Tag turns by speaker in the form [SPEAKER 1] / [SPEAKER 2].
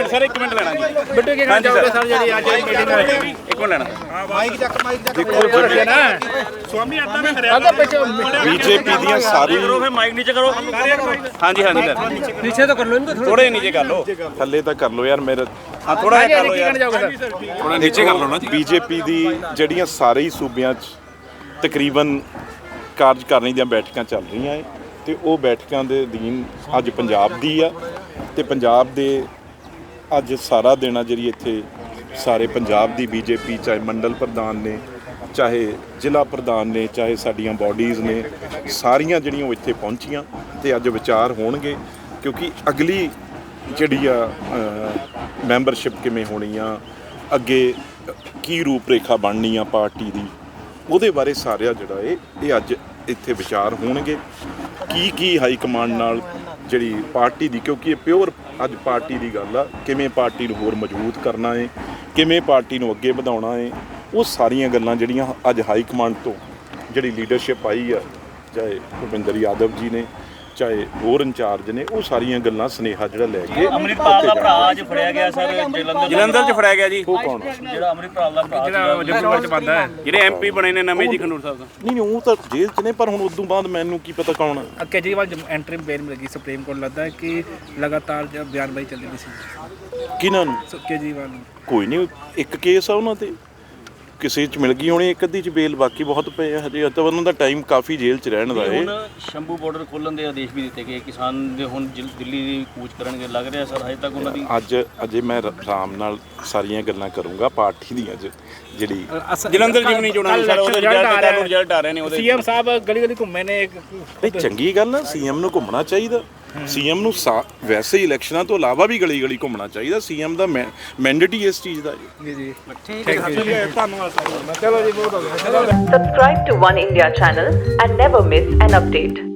[SPEAKER 1] Minute sir, 1 minute ਲੈਣਾ ਜੀ।
[SPEAKER 2] ਬਿੱਟੂ ਕੀ ਕਹਿਣਾ ਚਾਹੋਗੇ ਸਰ ਜਿਹੜੀ ਅੱਜ ਮੀਟਿੰਗ ਹੋਈ?
[SPEAKER 1] 1 ਮਿੰਟ ਲੈਣਾ।
[SPEAKER 2] ਸਵਾਮੀ ਆਤਾ ਮੈਂ ਹਰਿਆਣਾ
[SPEAKER 3] ਬੀਜੇਪੀ ਦੀਆਂ ਸਾਰੀ
[SPEAKER 1] ਮਾਈਕ ਨੀਚੇ ਕਰੋ। ਹਾਂਜੀ ਹਾਂਜੀ ਸਰ,
[SPEAKER 2] ਨੀਚੇ ਤਾਂ ਕਰ ਲਓ ਇਹਨੂੰ
[SPEAKER 1] ਥੋੜੇ ਨੀਚੇ ਕਰ ਲਓ।
[SPEAKER 3] ਥੱਲੇ ਤਾਂ ਕਰ ਲਓ ਯਾਰ ਮੇਰੇ
[SPEAKER 1] ਹਾਂ ਥੋੜਾ ਜਿਹਾ ਕਰ ਲਓ
[SPEAKER 2] ਕੀ
[SPEAKER 1] ਯਾਰ,
[SPEAKER 2] ਕਹਿਣਾ ਚਾਹੋਗੇ ਸਰ?
[SPEAKER 1] ਥੋੜਾ ਨੀਚੇ ਕਰ ਲਓ ਨਾ ਜੀ।
[SPEAKER 3] ਬੀਜੇਪੀ ਦੀ ਜਿਹੜੀਆਂ ਸਾਰੇ ਹੀ ਸੂਬਿਆਂ 'ਚ ਤਕਰੀਬਨ ਕਾਰਜਕਾਰਨੀ ਦੀਆਂ ਬੈਠਕਾਂ ਚੱਲ ਰਹੀਆਂ ਹੈ ਤੇ ਉਹ ਬੈਠਕਾਂ ਦੇ ਅਧੀਨ ਅੱਜ ਪੰਜਾਬ ਦੀ ਆ ਤੇ ਪੰਜਾਬ ਦੇ ਅੱਜ ਸਾਰਾ ਦਿਨ ਆ ਜਿਹੜੀ ਇੱਥੇ ਸਾਰੇ ਪੰਜਾਬ ਦੀ ਬੀਜੇਪੀ ਚਾਹੇ ਮੰਡਲ ਪ੍ਰਧਾਨ ਨੇ, ਚਾਹੇ ਜ਼ਿਲ੍ਹਾ ਪ੍ਰਧਾਨ ਨੇ, ਚਾਹੇ ਸਾਡੀਆਂ ਬਾਡੀਜ਼ ਨੇ, ਸਾਰੀਆਂ ਜਿਹੜੀਆਂ ਉਹ ਇੱਥੇ ਪਹੁੰਚੀਆਂ ਤੇ ਅੱਜ ਵਿਚਾਰ ਹੋਣਗੇ ਕਿਉਂਕਿ ਅਗਲੀ ਜਿਹੜੀ ਆ ਮੈਂਬਰਸ਼ਿਪ ਕਿਵੇਂ ਹੋਣੀ ਆ, ਅੱਗੇ ਕੀ ਰੂਪ ਰੇਖਾ ਬਣਨੀ ਆ ਪਾਰਟੀ ਦੀ, ਉਹਦੇ ਬਾਰੇ ਸਾਰਿਆ ਜਿਹੜਾ ਇਹ ਅੱਜ ਇੱਥੇ ਵਿਚਾਰ ਹੋਣਗੇ। ਕੀ ਹਾਈ ਕਮਾਂਡ ਨਾਲ ਜਿਹੜੀ ਪਾਰਟੀ ਦੀ, ਕਿਉਂਕਿ ਇਹ ਪਿਓਰ ਅੱਜ ਪਾਰਟੀ ਦੀ ਗੱਲ ਆ, ਕਿਵੇਂ ਪਾਰਟੀ ਨੂੰ ਹੋਰ ਮਜ਼ਬੂਤ ਕਰਨਾ ਹੈ, ਕਿਵੇਂ ਪਾਰਟੀ ਨੂੰ ਅੱਗੇ ਵਧਾਉਣਾ ਹੈ, ਉਹ ਸਾਰੀਆਂ ਗੱਲਾਂ ਜਿਹੜੀਆਂ ਅੱਜ ਹਾਈ ਕਮਾਂਡ ਤੋਂ ਜਿਹੜੀ ਲੀਡਰਸ਼ਿਪ ਆਈ ਆ, ਚਾਹੇ ਭੁਪਿੰਦਰ ਯਾਦਵ ਜੀ ਨੇ, ਚਾਹੇ ਹੋਰ ਇੰਚਾਰਜ ਨੇ, ਉਹ ਸਾਰੀਆਂ ਗੱਲਾਂ ਸੁਨੇਹਾ ਜਿਹੜਾ ਲੈ ਕੇ
[SPEAKER 4] ਅੰਮ੍ਰਿਤਪਾਲ ਦਾ ਭਰਾ ਅੱਜ ਫੜਿਆ ਗਿਆ ਸਰ
[SPEAKER 1] ਜਲੰਧਰ 'ਚ ਫੜਿਆ ਗਿਆ ਜੀ।
[SPEAKER 3] ਉਹ ਕੌਣ
[SPEAKER 4] ਜਿਹੜਾ ਅੰਮ੍ਰਿਤਪਾਲ ਦਾ ਭਰਾ
[SPEAKER 2] ਜਿਹੜਾ ਜੰਮੂ ਵਿੱਚ ਬੰਦਾ ਹੈ,
[SPEAKER 1] ਜਿਹੜੇ ਐਮਪੀ ਬਣੇ ਨੇ ਨਵੇਂ ਜੀ ਖੰਡੂਰ ਸਾਹਿਬ ਦਾ।
[SPEAKER 3] ਨਹੀਂ ਉਹ ਤਾਂ ਜੇਲ੍ਹ 'ਚ ਨੇ, ਪਰ ਹੁਣ ਉਦੋਂ ਬਾਅਦ ਮੈਨੂੰ ਕੀ ਪਤਾ ਕੌਣ ਆ।
[SPEAKER 2] ਕੇਜਰੀਵਾਲ ਐਂਟਰੀ ਬੇਲ ਮਿਲ ਗਈ ਸੁਪਰੀਮ ਕੋਰਟ, ਲੱਗਦਾ ਹੈ ਕਿ ਲਗਾਤਾਰ ਜਿਹੜਾ ਬਿਆਨਬਾਜ਼ੀ ਚੱਲਦੀ ਰਹੀ ਸੀ
[SPEAKER 3] ਕਿਹਨਾਂ ਨੂੰ?
[SPEAKER 2] ਕੇਜਰੀਵਾਲ ਨੂੰ।
[SPEAKER 3] ਕੋਈ ਨਹੀਂ, ਇੱਕ ਕੇਸ ਆ ਉਹਨਾਂ ਤੇ, ਕਿਸੇ 'ਚ ਮਿਲ ਗਈ ਹੋਣੀ, ਇੱਕ ਅੱਧੀ 'ਚ ਬੇਲ, ਬਾਕੀ ਬਹੁਤ ਪਏ ਆ ਹਜੇ ਤਾਂ ਉਹਨਾਂ ਦਾ ਟਾਈਮ ਕਾਫੀ ਜੇਲ੍ਹ 'ਚ ਰਹਿਣ ਦਾ ਹੈ।
[SPEAKER 4] ਹੁਣ ਸ਼ੰਭੂ ਬਾਰਡਰ ਖੋਲ੍ਹਣ ਦੇ ਆਦੇਸ਼ ਵੀ ਦਿੱਤੇ ਗਏ, ਕਿਸਾਨ ਦੇ ਹੁਣ ਦਿੱਲੀ ਦੀ ਕੂਚ ਕਰਨਗੇ, ਲੱਗ ਰਿਹਾ ਸਰ ਹਜੇ ਤੱਕ ਉਹਨਾਂ ਦੀ
[SPEAKER 3] ਅਜੇ ਮੈਂ ਆਰਾਮ ਨਾਲ ਸਾਰੀਆਂ ਗੱਲਾਂ ਕਰੂੰਗਾ ਪਾਰਟੀ ਦੀਆਂ ਜਿਹੜੀ
[SPEAKER 1] ਜਲੰਧਰ ਜਿਮਨੀ ਚੋਣਾਂ ਸਰ, ਉਹਦੇ ਰਿਜ਼ਲਟ ਆ ਰਹੇ ਨੇ ਉਹਦੇ।
[SPEAKER 2] ਸੀਐਮ ਸਾਹਿਬ ਗਲੀ ਗਲੀ ਘੁੰਮੇ ਨੇ।
[SPEAKER 3] ਇਹ ਚੰਗੀ ਗੱਲ ਆ, ਸੀਐਮ ਨੂੰ ਘੁੰਮਣਾ ਚਾਹੀਦਾ। ਸੀਐਮ ਨੂੰ ਵੈਸੇ ਹੀ ਇਲੈਕਸ਼ਨਾਂ ਤੋਂ ਇਲਾਵਾ ਵੀ ਗਲੀ ਗਲੀ ਘੁੰਮਣਾ ਚਾਹੀਦਾ। ਸੀਐਮ ਦਾ ਮੈਂਡੇਟ ਹੀ ਇਸ ਚੀਜ਼ ਦਾ
[SPEAKER 2] ਜੀ ਜੀ
[SPEAKER 3] ਧੰਨਵਾਦ।
[SPEAKER 2] ਚਲੋ ਜੀ ਬਹੁਤ ਹੋ ਗਿਆ।
[SPEAKER 5] Subscribe to One India channel and never miss an update.